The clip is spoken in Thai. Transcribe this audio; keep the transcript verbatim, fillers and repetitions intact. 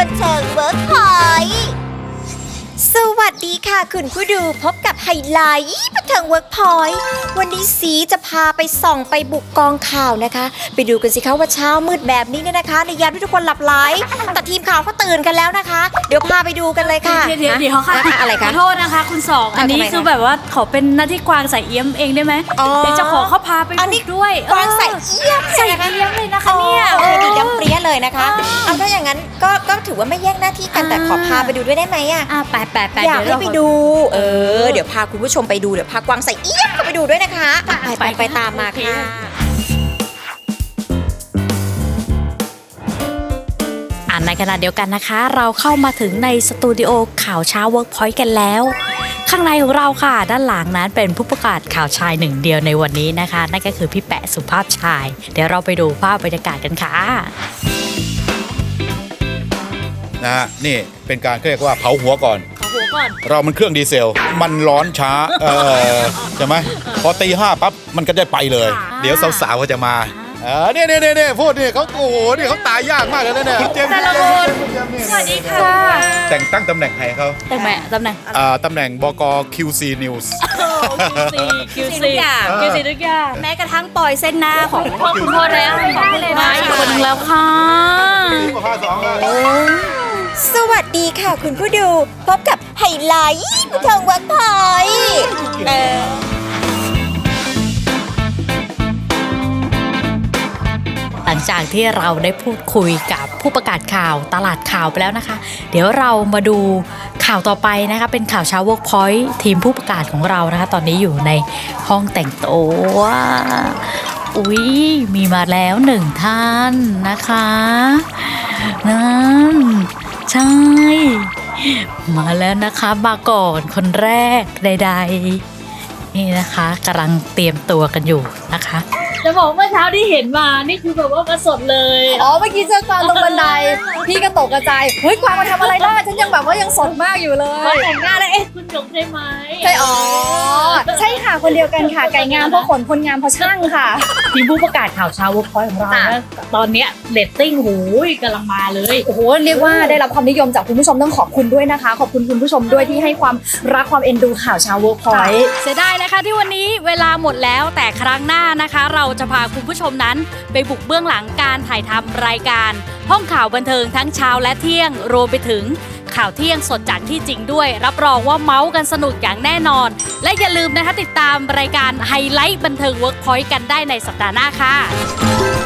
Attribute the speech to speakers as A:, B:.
A: บันเทิงเวิร์กพอยต์สวัสดีค่ะคุณผู้ดูพบกับไฮไลท์บันเทิงเวิร์กพอยต์วันนี้สีจะพาไปส่องไปบุกกองข่าวนะคะไปดูกันสิคะว่าเช้ามืดแบบนี้เนี่ยนะคะในยามที่ทุกคนหลับไหลแต่ทีมข่าวเขาตื่นกันแล้วนะคะ เดี๋ยวพาไปดูกันเลยค่ะ
B: เดี๋ยวเดี๋ยวเดี๋ยวค่ะ
A: อะไร
B: ข
A: คะ
B: อโทษนะคะคุณสองอันนี้
A: ทำไมคะ
B: คือแบบว่าขอเป็นหน้าที่กวางใส่เอี้ยมเองได้ไหม
A: อ๋อ
B: เดี๋ยวจะขอเขาพาไป
A: อันนี้
B: บุกด้วย
A: กวางใส่เอี้ยม
B: ใส่เอี้ยมเลยนะคะเนี่ย
A: โอเคดีดำเปรี้ยเลยนะคะ
B: อ๋อ
A: เอาถ้าอย่างนั้นก็ก็ถือว่าไม่แย่งหน้าที่กันแต่ขอพาไปดูด้วยได้ไหมอะ
B: อ่ะแปดแปดแปด
A: อยากให้ไปดู เออ เดี๋
B: ยว
A: ยวพาคุณผู้ชมไปดู เดี๋ยวพากวางใส่เอี้ยมก็ไปดูด้วยนะคะ ไปไปไปตามมาค่ะ
B: อ่านในขณะเดียวกันนะคะ เราเข้ามาถึงในสตูดิโอข่าวเช้าเวิร์กพอยต์กันแล้ว ข้างในของเราค่ะ ด้านหลังนั้นเป็นผู้ประกาศข่าวชายหนึ่งเดียวในวันนี้นะคะ นั่นก็คือพี่แปะสุภาพชาย เดี๋ยวเราไปดูภาพบรรยากาศกันค่ะ
C: นะฮะนี่เป็นการเรียกว่าเผาหัวก่อน
B: ขอหัวก่อน
C: เรามันเครื่องดีเซล มันร้อนช้าเออใช่ไหมพอตีห้าปั๊บมันก็ได้ไปเลย
B: ค่ะ
C: เดี๋ยวสาวๆก็จะมาเออเนี่ยเนี่ยเนี่ยพูดนี่เขาโอ้โหนี่เขาตายยากมากเลยนะเนี่ยคุณเจมส์
B: แต่ละคน
C: คุณเจมส์นี่
B: สวัสดีค่ะ
C: แต่งตั้งตำแหน่งให้เขา
B: แต่แม่ตำแหน่ง
C: อ่าตำแหน่งบก คิว ซี News
B: คิว
A: ทุ
B: ซี
A: กอย่าง
B: คิวซีทุกอย่างแม้กระทั่งปล่อยเส้นหน้าของพ่อคุณพ่อแล้วของคุณมาอีกคนนึงแล้วค่ะ
A: สวัสดีค่ะคุณผู้ดู พบกับไฮไลท์บันเทิงเวิร์กพอยต์เออ
B: หลังจากที่เราได้พูดคุยกับผู้ประกาศข่าวตลาดข่าวไปแล้วนะคะ เดี๋ยวเรามาดูข่าวต่อไปนะคะเป็นข่าวเช้า Workpoint ทีมผู้ประกาศของเรานะคะ ตอนนี้อยู่ในห้องแต่งตัวอุ๊ยมีมาแล้วหนึ่งท่านนะคะนั่นใช่ มาแล้วนะคะมาก่อนคนแรกใดๆนี่นะคะกำลังเตรียมตัวกันอยู่นะคะ จะบอกเมื่อเช้าที่เห็นมานี่คือแบบว่ามาสดเลย
D: อ๋อเมื่อกี้เจอกวางตรงบันได พี่ก็ตกกระจายเฮ้ยกวางมาทำอะไรได้ฉันยังแบบว่ายังสดมากอยู่เล
B: มาย แต่งหน้าแล้วเอ๊ะคุณหยกใช่ไหม
D: ใช่อ๋อใช่ค่ะคนเดียวกันค่ะไก่งามเพราะขนคนงามเพราะช่างค่ะ
B: ทีมผู้ประกาศข่าวเช้า Workpoint ของเรานะตอนเนี้ยเรตติ้งหูยกำลังมาเลย
D: โอ้โหเรียกว่าได้รับความนิยมจากคุณผู้ชมต้องขอบคุณด้วยนะคะ ขอบคุณคุณผู้ชมด้วยที่ให้ความรักความเอ็นดูข่าวเช้า Workpoint
B: เสียดายนะคะที่วันนี้เวลาหมดแล้วแต่ครั้งหน้านะคะ เราจะพาคุณผู้ชมนั้นไปบุกเบื้องหลังการถ่ายทำรายการ ห้องข่าวบันเทิงทั้งเช้าและเที่ยงรวมไปถึงข่าวเที่ยงสดจากที่จริงด้วย รับรองว่าเมาส์กันสนุกอย่างแน่นอน และอย่าลืมนะคะติดตามรายการไฮไลท์บันเทิง Workpoint กันได้ในสัปดาห์หน้าค่ะ